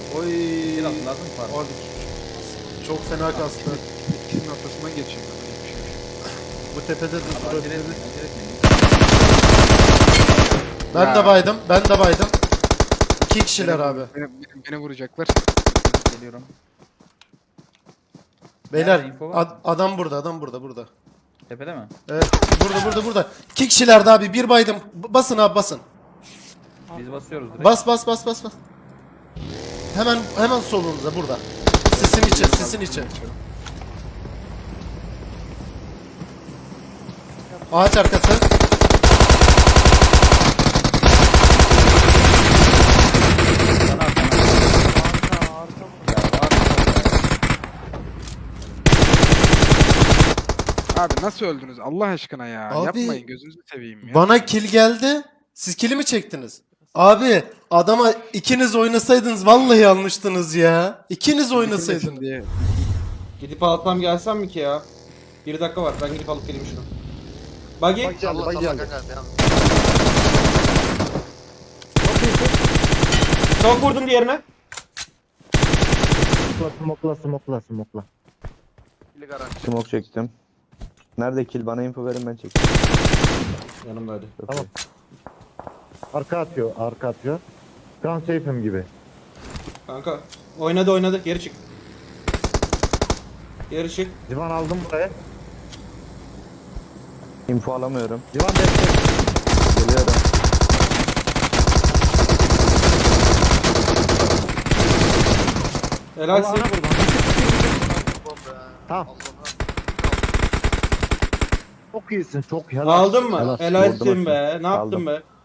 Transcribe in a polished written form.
Oy. Bir lazım mı? Abi çok fena kastı. İkisinin ortasından geçeyim ben. Öyle bir şey yok. Bu tepede de Abi acele durabilir. etmeyin, acele etmeyin. Ben de baydım. Ben de baydım. 2 kişiler abi. Beni vuracaklar. Geliyorum. Beyler Nerede, info var mı? adam burada, adam burada, burada. Tepede mi? Evet, burada. 2 kişilerdi abi. Bir baydım. Basın abi, basın. Biz basıyoruz direkt. Bas. Hemen solunuzda burada. Sisin için. Ağaç arkası. Sana at, sana. Abi nasıl öldünüz Allah aşkına ya. Abi, Yapmayın gözünüzü seveyim ya. Bana kill geldi. Siz kill'i mi çektiniz? Abi adama ikiniz oynasaydınız vallahi almıştınız ya. İkiniz oynasaydınız. Diye. Gidip atmam gelsem mi ki ya? 1 dakika var, ben gidip alıp geleyim şunu. Buggy. Bak geldi. Çok vurdum diğerine. Smokla. Bili garanti. Smoke çektim. Nerede kill? Bana info verin, ben çekeyim. Yanımdaydı. Tamam. Arka atıyor. Gun safe'im gibi. Kanka oynadı, geri çık. Divan aldım buraya. Info alamıyorum. Divan destek. Geliyorum. Helal Allah'ına size. kurban. Tamam. Çok iyisin, çok helal. Aldın mı? Helal. Helal Vurdum ettin aşağı. be. Ne yaptın Aldım. be?